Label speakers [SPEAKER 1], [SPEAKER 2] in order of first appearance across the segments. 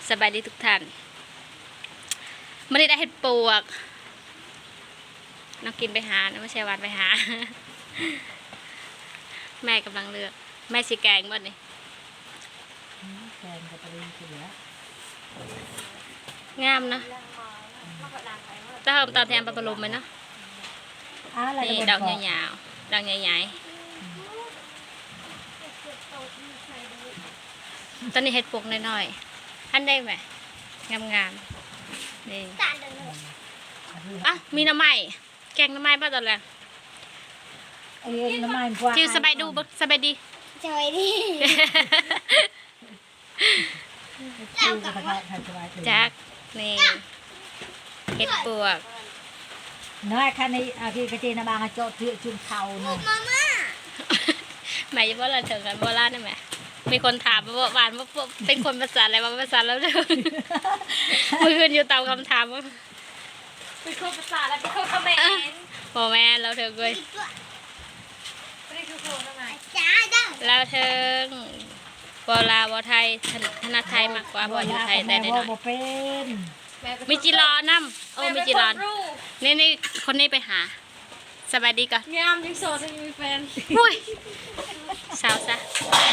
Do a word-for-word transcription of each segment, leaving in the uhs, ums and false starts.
[SPEAKER 1] สบายดีทุกท่านไม่ได้ได้เห็ดปวกน้องกินไปหาน้องไม่ใช่วันไปหา แม่กำลังเลือกแม่สีแกงบ้านนี่
[SPEAKER 2] แกงกับปลาเสื
[SPEAKER 1] งามนะจะเพิ่มตอนแทนปลาปลาลมไหมเนาะนี่ดอกใหญ่ๆดอกใหญ่ๆตอนนี้เห็ดปวกน้อยๆท่านได้ไหมงามๆนี่อ่ะมีน้ำไม้แกงน้ำไม้ป่ะตอนแรก
[SPEAKER 2] เอ้ยน้ำมันกว่า
[SPEAKER 1] จิวสบายดูสบายดี
[SPEAKER 3] สบายดี
[SPEAKER 1] จักนี่เห็ดปวก
[SPEAKER 2] น้อยคันนี้อาที่กระเจนบางโจทย์ที่จุ่มเข่าเนาะ
[SPEAKER 3] มาม่า
[SPEAKER 1] หมายว่าเราถึงกันโบราณได้ไหมมีคนถามว่าหวานว่าเป็นคนภาษาอะไรว่าภาษาแล้วเด้อมือคืนอยู่ตามคำถามว่า
[SPEAKER 3] เป็นคนภาษาแล้วเป็นคนเขมร
[SPEAKER 1] โมแม่เราถึงเลย
[SPEAKER 3] ไม่ได้คือโคทำไมจ้าจ้า
[SPEAKER 1] เราถึงโบราณโบไทยถนัดไทยมากกว่าโบอยู่ไทยแต่ได้หน่อยมีจีรอน้ำโอ้มีจีรอนนี่นี่คนนี้ไปหาสบายดีก่อน
[SPEAKER 3] งามยังโสดยังมีแฟน
[SPEAKER 1] อุ้ยสาวซะ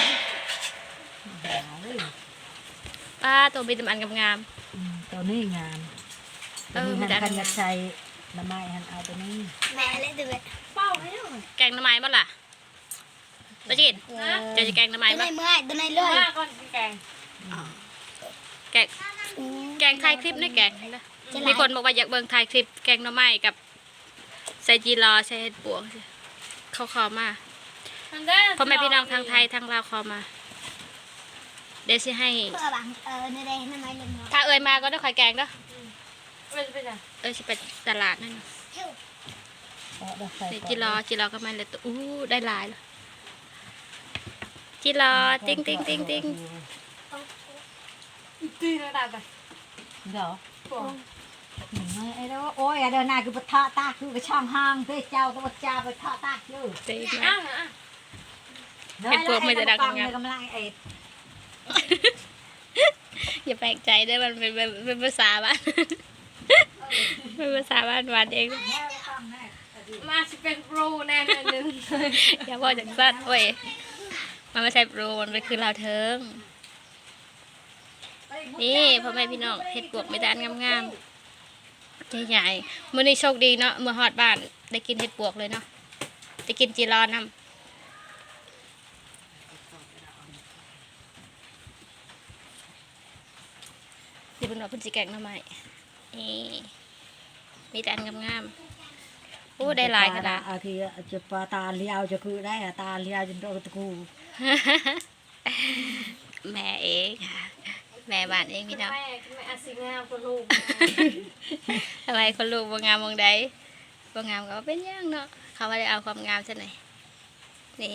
[SPEAKER 1] ป้าตัวมีตำอันงาม
[SPEAKER 2] ตัวนี้งามเออมันกันยัดใจน้ำไม้หันเอาตัวนี้
[SPEAKER 3] แม่เลยดูเลยเป้าให้ดู
[SPEAKER 1] แกงน้ำไม้บ้างล่ะตะจินจะจะแกงน้ำไม้บ้าง
[SPEAKER 3] เมื่อยตัวไหนเลยก่อนแกง
[SPEAKER 1] แกงแกงไทยคลิปนี่แกงมีคนบอกว่าอยากเบิ่งไทยคลิปแกงน้ำไม้กับใส่จีรอใส่เห็ดปวกเขาขอมาพ่อแม่พี่น้องทางไทยทางลาวขอมาเดี๋ยวสิให้
[SPEAKER 3] เพื่อบังเออในใดน้ำไม้เลย
[SPEAKER 1] ถ้าเอ่ยมาก็ได้ข่อยแกงเด้อเอ่ยสิไปตลาดนั่นจีรอจีรอก็มาเลยตัวอู้ได้หลายเลยจีรอติ้งติ้งติ้งติ้ง
[SPEAKER 3] ตีระดับไป
[SPEAKER 2] เดี๋ยวไอ้เด้อโอ้ยเดินหน้าคือปะทะตาคือกระช่างห้างเพื่อเจ้าตัวเจ้าไปทะตาอยู่
[SPEAKER 1] ตีนะเห็ดปวกไม่จะดังงามอย่าแปลกใจด้วยมันเป็นเป็นภาษาบ้านเป็นภาษาบ้านหวานเอง
[SPEAKER 3] มาสิเป็นโปรแน่นึง
[SPEAKER 1] อย่าบอกจากสั้นโอ้ยมันไม่ใช่โปรมันเป็นคือเราเทิงนี่พ่อแม่พี่น้องเห็ดปวกไม่ด้านงามๆใหญ่ๆมื้อนี้โชคดีเนาะเมื่อฮอดบ้านได้กินเห็ดปวกเลยเนาะได้กินจีรอนน้ำที่เป็นว่าพุ่นสีแกงหน่อไม้นี่มีแต่อันงามๆโอ้ได้หลายขนาด
[SPEAKER 2] อาทีจะปลาตาเลี้ยวจะคือได้ตาเลี้ยวจนโตตะกู
[SPEAKER 1] แม่เองค่ะแม่บ้านเองพี่น้อง
[SPEAKER 3] แม่แม่อาศิงามคนลูก
[SPEAKER 1] ทำไมคนลูกบ่งามมองใดบ่งามก็เป็นย่างเนาะเขาว่าได้เอาความงามซะหน่อยนี่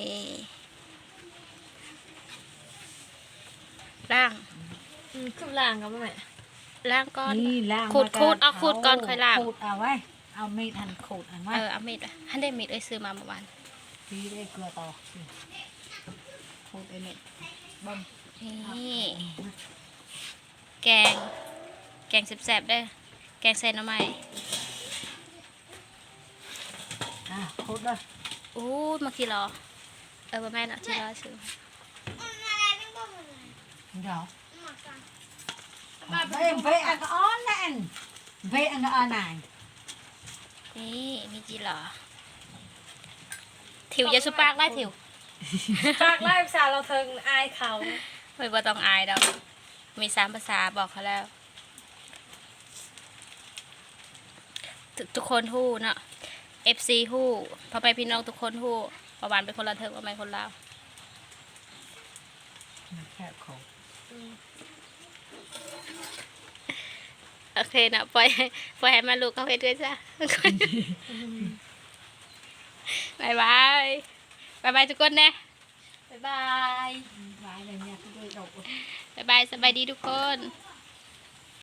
[SPEAKER 1] ล่าง
[SPEAKER 3] ขึ้นล่างกับแม่
[SPEAKER 1] ล่างก้อน
[SPEAKER 2] นี่ล่าง
[SPEAKER 1] ขูดขูดเอาขูดก้อนค่อยล่าง
[SPEAKER 2] ขูดเอาไว้เอามีดหั่นขูดเอาไว้
[SPEAKER 1] เออเอามีดท่านได้มีดเอ้ยซื้อมาเมื่อวาน
[SPEAKER 2] พี่ได้เกลือต่อขูดไอ้เม็ดบ่ม
[SPEAKER 1] นี่แกงแกงแซ่บๆได้แกงใส่หน่อไม้
[SPEAKER 2] อ่ะขูดเลย
[SPEAKER 1] อู้มากี่รอเออแม่เนาะที่รอซื้อ
[SPEAKER 2] เดี๋ยวเบะอันก็อ่อนนั่นเบะอันก็อ่อนนาย
[SPEAKER 1] นี่มีจีรอถิวจะสุปากไล่ถิว
[SPEAKER 3] ปากไล่ภาษาเราเทิงอายเขา
[SPEAKER 1] ไม่ว่าต้องอายดอกมีสามภาษาบอกเขาแล้วทุกคนฮู้เนาะ เอฟ ซี ฮู้พ่อแม่พี่น้องทุกคนฮู้ประวันเป็นคนละเทิงประมาณคนลาว
[SPEAKER 2] แค่ของ
[SPEAKER 1] โอเคนะปล่อยปล่อยให้มาลูกเขาเฮ็ดด้วยจ้ะบายบายบายบายทุกคนนะ
[SPEAKER 3] บายบาย
[SPEAKER 2] บายอะไรเนี่ยก็ด้วยดอก
[SPEAKER 1] บายบายสบายดีทุกคน